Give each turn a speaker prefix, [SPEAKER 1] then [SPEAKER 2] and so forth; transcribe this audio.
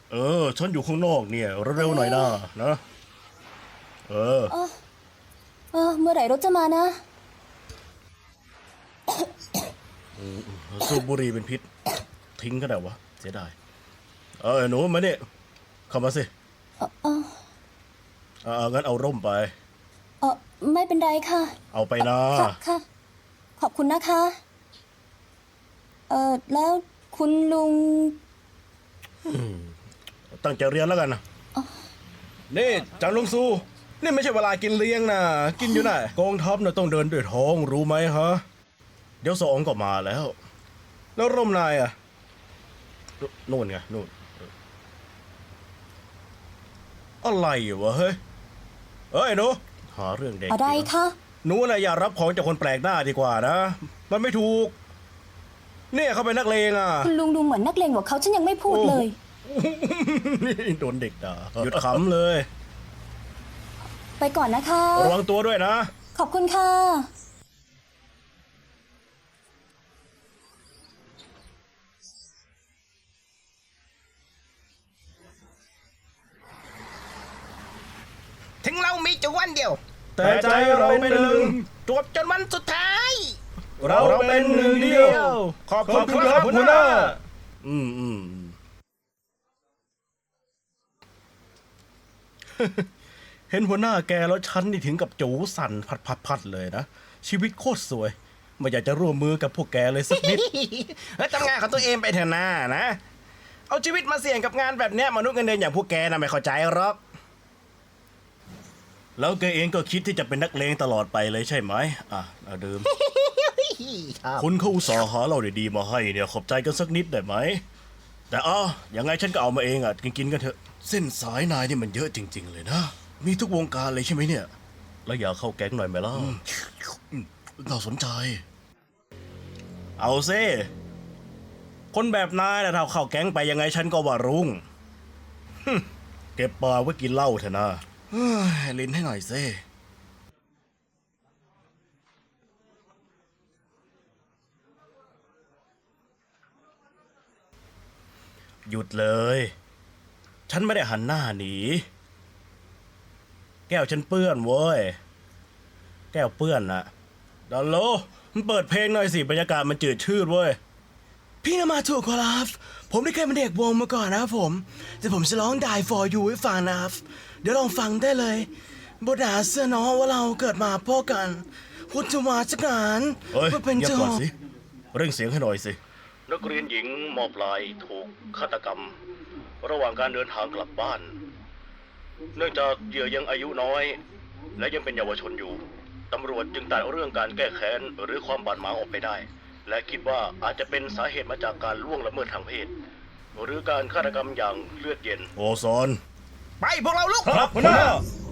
[SPEAKER 1] ฉันอยู่ข้างนอกเนี่ยเร็วๆหน่อยนะเออ
[SPEAKER 2] เมื่อไหร่รถจะมานะ
[SPEAKER 1] สูบบุหรี่เป็นพิษทิ้งก็ได้วะเสียดายหนูมาเนี่ยเข้ามาสิงั้นเอาร่มไป
[SPEAKER 2] ไม่เป็นไรค่ะ
[SPEAKER 1] เอาไปนะ
[SPEAKER 2] ค่ะขอบคุณนะคะแล้วคุณลุง
[SPEAKER 1] ตั้งใจเรียนแล้วกันนะนี่จังลุงซูนี่ไม่ใช่เวลากินเลี้ยงนะกินอยู่ไหนกองทัพน่ะต้องเดินด้วยท้องรู้ไหมฮะเดี๋ยวสองก็มาแล้วร่มนายอ่ะนู่นไงนู่นอะไรวะเฮ้ยหนูหาเรื่องเด็ก
[SPEAKER 2] อะไรคะ
[SPEAKER 1] หนูน่ะอย่ารับของจากคนแปลกหน้าดีกว่านะมันไม่ถูกเนี่ยเขาเป็นนักเลงอ่ะ
[SPEAKER 2] คุณลุงดูเหมือนนักเลงกว่าเขาฉันยังไม่พูดเลย
[SPEAKER 1] โดนเด็กด่าหยุดขำเลย
[SPEAKER 2] ไปก่อนนะคะ
[SPEAKER 1] ระวังตัวด้วยนะ
[SPEAKER 2] ขอบคุณค่ะ
[SPEAKER 3] ถึงเรามีจุดวันเดียว
[SPEAKER 1] แต่ใจเราเป็นหนึ่ง
[SPEAKER 3] จวบจนวันสุดท้าย
[SPEAKER 1] เราเป็นหนึ่งเดียวขอบคุณครับหัวหน้าเห็นหัวหน้าแกแล้วฉันนี่ถึงกับจูสั่นพัดเลยนะชีวิตโคตรสวยไม่อยากจะร่วมมือกับพวกแกเลยสักนิด
[SPEAKER 3] ทำงานของตัวเองไปเถอะนะเอาชีวิตมาเสี่ยงกับงานแบบเนี้ยมนุษย์เงินเดือนอย่างพวกแกน่ะไม่เข้าใจหรอก
[SPEAKER 1] แล้วแกเองก็คิดที่จะเป็นนักเลงตลอดไปเลยใช่ไหมดื่มคุณเขาอุตส่าห์หาเราดีๆมาให้เนี่ยขอบใจกันสักนิดได้ไหมแต่ยังไงฉันก็เอามาเองกินกันเถอะเส้นสายนายนี่มันเยอะจริงๆเลยนะมีทุกวงการเลยใช่ไหมเนี่ยแล้วอยากเข้าแก๊งหน่อยไหมล่ะน่าสนใจเอาซิคนแบบนายนะถ้าเข้าแก๊งไปยังไงฉันก็ว่ารุ่งเก็บปลาไว้กินเหล้าเถอะนะลิ้นให้หน่อยซิหยุดเลยฉันไม่ได้หันหน้าหนีแก้วฉันเปื้อนเว้ยแก้วเปื้อนนะดัลโลมันเปิดเพลงหน่อยสิบรรยากาศมันจืดชืดเว้ย
[SPEAKER 4] พี่น่ะมาถูกครับผมได้เคยเป็นเด็กวงมาก่อนนะครับผมแต่ผมจะร้อง Die for you ให้ฟังนะครับเดี๋ยวลองฟังได้เลยบทหาเสื้อน้องว่าเราเกิดมาพ่อกันพุทธวาจกาน
[SPEAKER 1] ว่าเป็นเจ้าก่อนสิเร่งเสียงให้หน่อยสินักเรียนหญิงมอบลายถูกฆาตกรรมระหว่างการเดินทางกลับบ้านเนื่องจากเหยื่อยังอายุน้อยและยังเป็นเยาวชนอยู่ตำรวจจึงตัดเรื่องการแก้แค้นหรือความบาดหมางออกไปได้และคิดว่าอาจจะเป็นสาเหตุมาจากการล่วงละเมิดทางเพศหรือการฆาตกรรมอย่างเลือดเย็นโอซอน
[SPEAKER 3] ไปพวกเราลุก
[SPEAKER 1] ครับหัวหน้า